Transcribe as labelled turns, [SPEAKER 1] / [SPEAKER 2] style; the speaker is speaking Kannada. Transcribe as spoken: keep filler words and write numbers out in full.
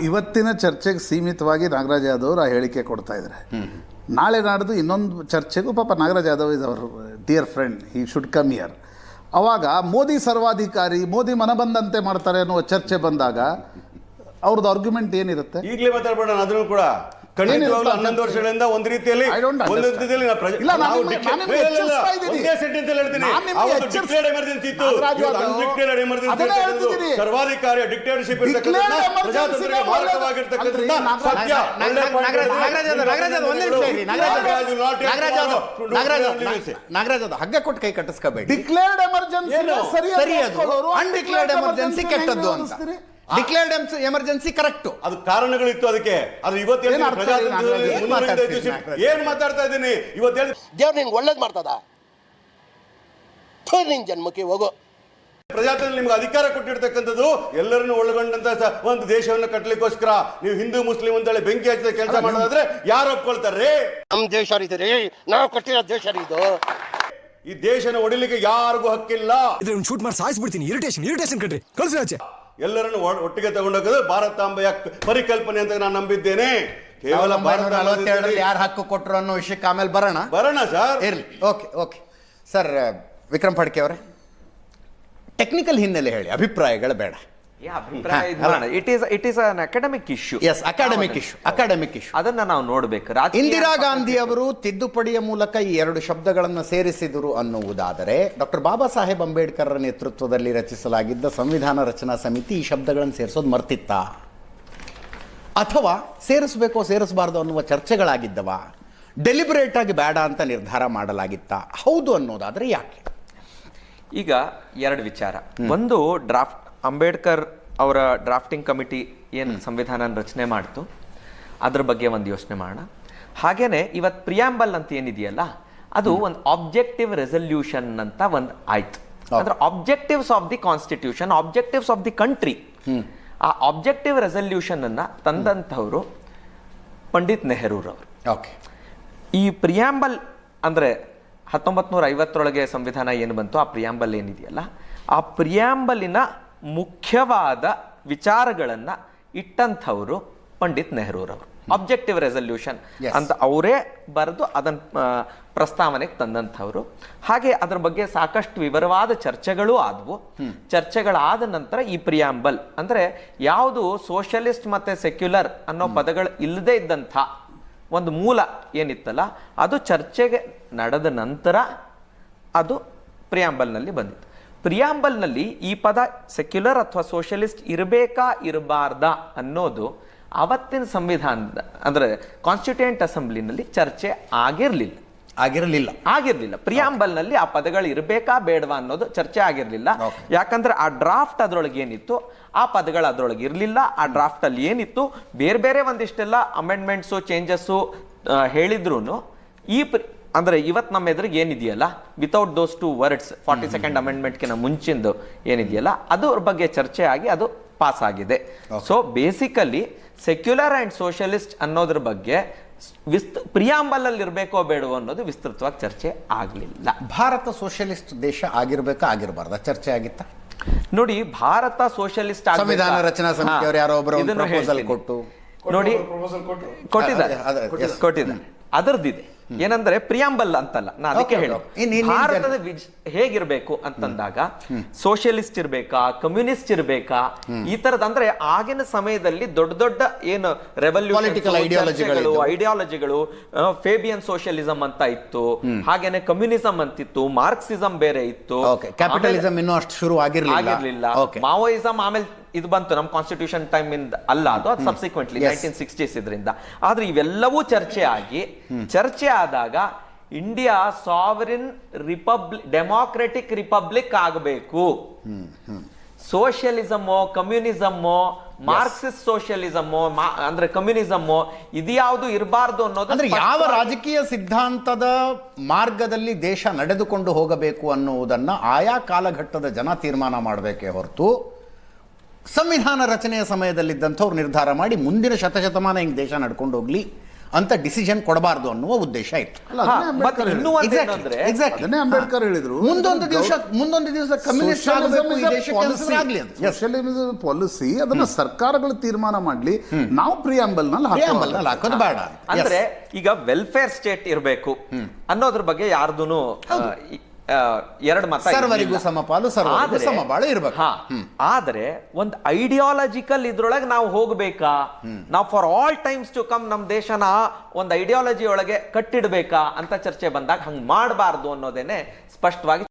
[SPEAKER 1] ಇವತ್ತಿನ ಚರ್ಚೆಗೆ ಸೀಮಿತವಾಗಿ ನಾಗರಾಜ್ ಯಾದವ್ ಅವರು ಆ ಹೇಳಿಕೆ ಕೊಡ್ತಾ ಇದ್ದಾರೆ. ನಾಳೆ ನಾಡ್ದು ಇನ್ನೊಂದು ಚರ್ಚೆಗೂ ಪಾಪ Nagaraj Yadav is our dear friend, he should come here. ಅವಾಗ ಮೋದಿ ಸರ್ವಾಧಿಕಾರಿ, ಮೋದಿ ಮನಬಂದಂತೆ ಮಾಡ್ತಾರೆ ಅನ್ನುವ ಚರ್ಚೆ ಬಂದಾಗ ಅವ್ರದ್ದು ಆರ್ಗ್ಯುಮೆಂಟ್ ಏನಿರುತ್ತೆ?
[SPEAKER 2] ಈಗಲೇ ಮಾತಾಡ್ಬೇಡ ಅದನ್ನು ಕೂಡ. ಖಂಡಿತವಾಗ್ಲೂ ಹನ್ನೊಂದು ವರ್ಷಗಳಿಂದ ಒಂದು ರೀತಿಯಲ್ಲಿ ಒಂದು ರೀತಿಯಲ್ಲಿ ಸರ್ವಾಧಿಕಾರಿ ಡಿಕ್ಟೇಟರ್ಶಿಪ್ ಪ್ರಜಾತಂತ್ರಕ್ಕೆ ಮಾರಕವಾಗಿರ್ತಕ್ಕಂಥ ಸತ್ಯ.
[SPEAKER 3] ನಾಗರಾಜ್ ಅದು ಹಗ್ಗ ಕೊಟ್ಟು ಕೈ ಕಟ್ಟಿಸ್ಕೋಬೇಡಿ.
[SPEAKER 1] ಡಿಕ್ಲೇರ್ಡ್ ಎಮರ್ಜೆನ್ಸಿ
[SPEAKER 3] ಸರಿ, ಅದು ಅನ್ಡಿಕ್ಲೇರ್ಡ್ ಎಮರ್ಜೆನ್ಸಿ ಕೆಟ್ಟದ್ದು ಅಂತ. ಡಿಕ್ಲೇರ್ಡ್ ಎಮರ್ಜೆನ್ಸಿ ಕರೆಕ್ಟ್,
[SPEAKER 2] ಅದು ಕಾರಣಗಳಿತ್ತು ಅದಕ್ಕೆ. ಅದು ಇವತ್ತು ಏನ್ ಮಾತಾಡ್ತಾ ಇದ್ದೀನಿ ಇವತ್ತು
[SPEAKER 4] ದೇವ್ರು ನಿನ್ಗೆ ಒಳ್ಳೇದ್ ಮಾಡ್ತದ, ನಿನ್ ಜನ್ಮಕ್ಕೆ ಹೋಗೋ.
[SPEAKER 2] ಪ್ರಜಾತಂತ್ರ ನಿಮ್ಗೆ ಅಧಿಕಾರ ಕೊಟ್ಟಿರ್ತಕ್ಕಂಥದ್ದು ಎಲ್ಲರನ್ನು ಒಳಗೊಂಡಂತ ಒಂದು ದೇಶವನ್ನು ಕಟ್ಟಲಿಕ್ಕೋಸ್ಕರ. ನೀವು ಹಿಂದೂ ಮುಸ್ಲಿಂ ಅಂತೇಳಿ ಬೆಂಕಿ ಹಚ್ಚಿದ ಕೆಲಸ ಮಾಡೋದಾದ್ರೆ ಯಾರು ಒಪ್ಕೊಳ್ತಾರೆ?
[SPEAKER 4] ನಮ್ ದೇಶ ರೀ, ನಾವು ಕಟ್ಟಿರೋ ದೇಶ ಇದು.
[SPEAKER 2] ಈ ದೇಶನ ಹೊಡಿಲಿಕ್ಕೆ ಯಾರಿಗೂ ಹಕ್ಕಿಲ್ಲ.
[SPEAKER 5] ಶೂಟ್ ಮಾಡಿ ಸಾಯಿಸ್ಬಿಡ್ತೀನಿ. ಇರಿಟೇಷನ್ ಇರಿಟೇಷನ್ ಕಟ್ರಿ ಕಳ್ಸಿ ಆಚೆ.
[SPEAKER 2] ಎಲ್ಲರನ್ನು ಒಟ್ಟಿಗೆ ತಗೊಂಡೋಗೋದು ಭಾರತಾಂಬೆಯ ಪರಿಕಲ್ಪನೆ ಅಂತ ನಾನು ನಂಬಿದ್ದೇನೆ. ಕೇವಲ
[SPEAKER 3] ಯಾರು ಹಕ್ಕು ಕೊಟ್ಟರು ಅನ್ನೋ ವಿಷಯಕ್ಕೆ ಆಮೇಲೆ ಬರೋಣ
[SPEAKER 2] ಬರೋಣ ಸರ್.
[SPEAKER 3] ಇರ್ಲಿ, okay okay sir. Vikram Phadke ಅವರೇ, ಟೆಕ್ನಿಕಲ್ ಹಿನ್ನೆಲೆ ಹೇಳಿ, ಅಭಿಪ್ರಾಯಗಳು ಬೇಡ.
[SPEAKER 6] It is it is an academic issue.
[SPEAKER 3] Yes, academic issue, academic issue.
[SPEAKER 6] ಅದನ್ನ ನಾವು ನೋಡಬೇಕು.
[SPEAKER 3] ಇಂದಿರಾ ಗಾಂಧಿ ಅವರು ತಿದ್ದುಪಡಿಯ ಮೂಲಕ ಈ ಎರಡು ಶಬ್ದಗಳನ್ನು ಸೇರಿಸಿದರು ಅನ್ನುವುದಾದರೆ, ಡಾಕ್ಟರ್ ಬಾಬಾ ಸಾಹೇಬ್ ಅಂಬೇಡ್ಕರ್ ನೇತೃತ್ವದಲ್ಲಿ ರಚಿಸಲಾಗಿದ್ದ ಸಂವಿಧಾನ ರಚನಾ ಸಮಿತಿ ಈ ಶಬ್ದಗಳನ್ನು ಸೇರಿಸೋದು ಮರ್ತಿತ್ತ, ಅಥವಾ ಸೇರಿಸಬೇಕೋ ಸೇರಿಸಬಾರ್ದು ಅನ್ನುವ ಚರ್ಚೆಗಳಾಗಿದ್ದವ, ಡೆಲಿಬರೇಟ್ ಆಗಿ ಬೇಡ ಅಂತ ನಿರ್ಧಾರ ಮಾಡಲಾಗಿತ್ತ? ಹೌದು ಅನ್ನೋದಾದ್ರೆ ಯಾಕೆ?
[SPEAKER 6] ಈಗ ಎರಡು ವಿಚಾರ. ಒಂದು, ಡ್ರಾಫ್ಟ್ ಅಂಬೇಡ್ಕರ್ ಅವರ ಡ್ರಾಫ್ಟಿಂಗ್ ಕಮಿಟಿ ಏನು ಸಂವಿಧಾನ ರಚನೆ ಮಾಡ್ತು ಅದ್ರ ಬಗ್ಗೆ ಒಂದು ಯೋಚನೆ ಮಾಡೋಣ. ಹಾಗೇನೆ ಇವತ್ತು ಪ್ರಿಯಾಂಬಲ್ ಅಂತ ಏನಿದೆಯಲ್ಲ, ಅದು ಒಂದು ಆಬ್ಜೆಕ್ಟಿವ್ ರೆಸಲ್ಯೂಷನ್ ಅಂತ ಒಂದು ಆಯ್ತು. ಅಂದ್ರೆ objectives of the constitution, objectives of the country. ಆ ಆಬ್ಜೆಕ್ಟಿವ್ ರೆಸಲ್ಯೂಷನ್ ಅನ್ನ ತಂದಂಥವ್ರು ಪಂಡಿತ್ ನೆಹರೂರವರು.
[SPEAKER 3] ಓಕೆ.
[SPEAKER 6] ಈ ಪ್ರಿಯಾಂಬಲ್ ಅಂದ್ರೆ ಹತ್ತೊಂಬತ್ ನೂರ ಐವತ್ತರೊಳಗೆ ಸಂವಿಧಾನ ಏನು ಬಂತು, ಆ ಪ್ರಿಯಾಂಬಲ್ ಏನಿದೆಯಲ್ಲ, ಆ ಪ್ರಿಯಾಂಬಲಿನ ಮುಖ್ಯವಾದ ವಿಚಾರಗಳನ್ನ ಇಟ್ಟಂಥವ್ರು ಪಂಡಿತ್ ನೆಹರೂರವರು. ಆಬ್ಜೆಕ್ಟಿವ್ ರೆಸಲ್ಯೂಷನ್ ಅಂತ ಅವರೇ ಬರೆದು ಅದನ್ನ ಪ್ರಸ್ತಾವನೆಗೆ ತಂದಂಥವ್ರು. ಹಾಗೆ ಅದರ ಬಗ್ಗೆ ಸಾಕಷ್ಟು ವಿವರವಾದ ಚರ್ಚೆಗಳು ಆದವು. ಚರ್ಚೆಗಳಾದ ನಂತರ ಈ ಪ್ರಿಯಾಂಬಲ್ ಅಂದ್ರೆ ಯಾವುದು ಸೋಷಿಯಲಿಸ್ಟ್ ಮತ್ತೆ ಸೆಕ್ಯುಲರ್ ಅನ್ನೋ ಪದಗಳು ಇಲ್ಲದೆ ಇದ್ದಂಥ ಒಂದು ಮೂಲ ಏನಿತ್ತಲ್ಲ, ಅದು ಚರ್ಚೆಗೆ ನಡೆದ ನಂತರ ಅದು ಪ್ರಿಯಾಂಬಲ್ನಲ್ಲಿ ಬಂದಿತ್ತು. ಪ್ರಿಯಾಂಬಲ್ನಲ್ಲಿ ಈ ಪದ ಸೆಕ್ಯುಲರ್ ಅಥವಾ ಸೋಷಿಯಲಿಸ್ಟ್ ಇರಬೇಕಾ ಇರಬಾರ್ದಾ ಅನ್ನೋದು ಅವತ್ತಿನ ಸಂವಿಧಾನದ ಅಂದ್ರೆ ಕಾನ್ಸ್ಟಿಟ್ಯೂಯೆಂಟ್ ಅಸೆಂಬ್ಲಿನಲ್ಲಿ ಚರ್ಚೆ ಆಗಿರ್ಲಿಲ್ಲ
[SPEAKER 3] ಆಗಿರಲಿಲ್ಲ
[SPEAKER 6] ಆಗಿರ್ಲಿಲ್ಲ ಪ್ರಿಯಾಂಬಲ್ನಲ್ಲಿ ಆ ಪದಗಳು ಇರಬೇಕಾ ಬೇಡವಾ ಅನ್ನೋದು ಚರ್ಚೆ ಆಗಿರ್ಲಿಲ್ಲ. ಯಾಕಂದ್ರೆ ಆ ಡ್ರಾಫ್ಟ್ ಅದ್ರೊಳಗೆ ಏನಿತ್ತು ಆ ಪದಗಳು ಅದ್ರೊಳಗೆ ಇರಲಿಲ್ಲ. ಆ ಡ್ರಾಫ್ಟ್ ಅಲ್ಲಿ ಏನಿತ್ತು ಬೇರೆ ಬೇರೆ ಒಂದಿಷ್ಟೆಲ್ಲ ಅಮೆಂಡ್ಮೆಂಟ್ಸು ಚೇಂಜಸ್ಸು ಹೇಳಿದ್ರು ಈ ಅಂದ್ರೆ ಇವತ್ತು ನಮ್ಮ ಎದುರಿಗೆ ಏನಿದೆಯಲ್ಲ, without those two words forty second ಅಮೆಂಡ್ಮೆಂಟ್ಗಿನ ಮುಂಚಿಂದು ಏನಿದೆಯಲ್ಲ ಅದ್ರ ಬಗ್ಗೆ ಚರ್ಚೆ ಆಗಿ ಅದು ಪಾಸ್ ಆಗಿದೆ. So basically secular and socialist ಅನ್ನೋದ್ರ ಬಗ್ಗೆ ವಿಸ್ತ ಪ್ರಿಯಾಂಬಲ್ ಅಲ್ಲಿ ಇರಬೇಕೋ ಬೇಡವೋ ಅನ್ನೋದು ವಿಸ್ತೃತವಾಗಿ ಚರ್ಚೆ ಆಗಲಿಲ್ಲ.
[SPEAKER 3] ಭಾರತ ಸೋಷಿಯಲಿಸ್ಟ್ ದೇಶ ಆಗಿರ್ಬೇಕಾ ಆಗಿರಬಾರ್ದ ಚರ್ಚೆ ಆಗಿತ್ತ?
[SPEAKER 6] ನೋಡಿ, ಭಾರತ ಸೋಷಿಯಲಿಸ್ಟ್
[SPEAKER 3] ಸಂವಿಧಾನ ರಚನಾ ಸಮಿತಿಯವರು ಯಾರೋ ಒಬ್ಬರು ಪ್ರಪೋಸಲ್ ಕೊಟ್ಟು
[SPEAKER 6] ನೋಡಿ ಕೊಟ್ಟಿದ್ದಾರೆ ಕೊಟ್ಟಿದ್ದಾರೆ ಅದರದಿದೆ. ಏನಂದ್ರೆ ಪ್ರಿಯಾಂಬಲ್ ಅಂತಲ್ಲ, ನಾ ಅದಕ್ಕೆ ಹೇಳಿ ಭಾರತದ ಹೇಗಿರ್ಬೇಕು ಅಂತಂದಾಗ ಸೋಷಿಯಲಿಸ್ಟ್ ಇರ್ಬೇಕಾ, ಕಮ್ಯುನಿಸ್ಟ್ ಇರ್ಬೇಕಾ, ಈ ತರದ ಅಂದ್ರೆ ಆಗಿನ ಸಮಯದಲ್ಲಿ ದೊಡ್ಡ ದೊಡ್ಡ ಏನು ರೆವಲ್ಯೂಷನ್ ಐಡಿಯಾಲಜಿಗಳು, ಫೇಬಿಯನ್ ಸೋಷಿಯಲಿಸಂ ಅಂತ ಇತ್ತು, ಹಾಗೇನೆ ಕಮ್ಯುನಿಸಂ ಅಂತಿತ್ತು, ಮಾರ್ಕ್ಸಿಸಂ ಬೇರೆ ಇತ್ತು,
[SPEAKER 3] ಕ್ಯಾಪಿಟಲಿಸಂ ಇನ್ನೂ ಅಷ್ಟು ಶುರು ಆಗಿರ್ಲಿಲ್ಲ,
[SPEAKER 6] ಮಾವೋಯಿಸಂ ಆಮೇಲೆ ಇದು ಬಂತು ನಮ್ಮ ಕಾನ್ಸ್ಟಿಟ್ಯೂಷನ್ ಟೈಮ್ ಇಂದ ಅಲ್ಲ, ಅದು ಅದು ಸಬ್ಸಿಕ್ವೆಂಟ್ಲಿ ನೈನ್ಟೀನ್ ಸಿಕ್ಸ್ಟೀಸ್ ಇದರಿಂದ. ಆದ್ರೆ ಇವೆಲ್ಲವೂ ಚರ್ಚೆ ಆಗಿ ಚರ್ಚೆ ಆದಾಗ India sovereign republic democratic republic ಆಗಬೇಕು. ಸೋಷಿಯಲಿಸಮೋ ಕಮ್ಯುನಿಸಮೋ ಮಾರ್ಕ್ಸಿಸ್ಟ್ ಸೋಷಿಯಲಿಸಮೋ ಅಂದ್ರೆ ಕಮ್ಯುನಿಸಮೋ ಇದ್ಯಾವುದು ಇರಬಾರ್ದು ಅನ್ನೋದು.
[SPEAKER 3] ಅಂದ್ರೆ ಯಾವ ರಾಜಕೀಯ ಸಿದ್ಧಾಂತದ ಮಾರ್ಗದಲ್ಲಿ ದೇಶ ನಡೆದುಕೊಂಡು ಹೋಗಬೇಕು ಅನ್ನುವುದನ್ನ ಆಯಾ ಕಾಲಘಟ್ಟದ ಜನ ತೀರ್ಮಾನ ಮಾಡಬೇಕೇ ಹೊರತು ಸಂವಿಧಾನ ರಚನೆಯ ಸಮಯದಲ್ಲಿದ್ದಂಥವ್ರು ನಿರ್ಧಾರ ಮಾಡಿ ಮುಂದಿನ ಶತಶತಮಾನ ಹಿಂಗೆ ದೇಶ ನಡ್ಕೊಂಡು ಹೋಗ್ಲಿ ಅಂತ ಡಿಸಿಷನ್ ಕೊಡಬಾರ್ದು ಅನ್ನುವ ಉದ್ದೇಶ ಇತ್ತು.
[SPEAKER 1] ಅಲ್ಲ,
[SPEAKER 6] ಹಾ,
[SPEAKER 1] ಅದನ್ನೇ
[SPEAKER 6] ಮತ್ತೆ
[SPEAKER 1] ಅಂಬೇಡ್ಕರ್
[SPEAKER 6] ಇನ್ನೂ
[SPEAKER 1] ಹೇಳಿದ್ರು.
[SPEAKER 6] ಒಂದು ಏನಂದ್ರೆ
[SPEAKER 3] Exactly.
[SPEAKER 1] ಅದನ್ನೇ ಅಂಬೇಡ್ಕರ್ ಹೇಳಿದ್ರು.
[SPEAKER 3] ಮುಂದೊಂದು ದಿವಸ ಮುಂದೊಂದು ದಿವಸ ಕಮ್ಯುನಿಸ್ಟ್ ಆಗಬೇಕು ಈ ದೇಶಕ್ಕೆ ಅನ್ಸಿದ್ರೆ ಆಗ್ಲಿ ಅಂತ.
[SPEAKER 1] ಸೋಷಿಯಲಿಸಂ ಪಾಲಿಸಿ ಅದನ್ನ ಸರ್ಕಾರಗಳು ತೀರ್ಮಾನ ಮಾಡ್ಲಿ, ನಾವು ಪ್ರಿಯಾಂಬಲ್ ನಲ್ಲಿ
[SPEAKER 3] Preamble ನಲ್ಲಿ ಹಾಕೋದು ಬೇಡ.
[SPEAKER 6] ಅಂದ್ರೆ ಈಗ ವೆಲ್ಫೇರ್ ಸ್ಟೇಟ್ ಇರಬೇಕು ಅನ್ನೋದ್ರ ಬಗ್ಗೆ ಯಾರ್ದೂನು ಎರಡು ಮತ
[SPEAKER 3] ಸರ್ವರಿಗೂ
[SPEAKER 6] ಇರ್ಲಿಲ್ಲ.
[SPEAKER 3] ಸಮಪಾಲು, ಸರ್ವರಿಗೂ
[SPEAKER 6] ಆದ್ರೆ-
[SPEAKER 3] ಸಮಬಾಳು ಇರ್ಬೇಕು.
[SPEAKER 6] ಹಾ, ಆದ್ರೆ ಒಂದು ಐಡಿಯಾಲಜಿಕಲ್ ಇದ್ರೊಳಗೆ ನಾವು ಹೋಗ್ಬೇಕಾ, ನಾವು for all times to come ನಮ್ ದೇಶನ ಒಂದು ಐಡಿಯಾಲಜಿ ಒಳಗೆ ಕಟ್ಟಿಡ್ಬೇಕಾ ಅಂತ ಚರ್ಚೆ ಬಂದಾಗ ಹಂಗ್ ಮಾಡಬಾರ್ದು ಅನ್ನೋದೇನೆ ಸ್ಪಷ್ಟವಾಗಿ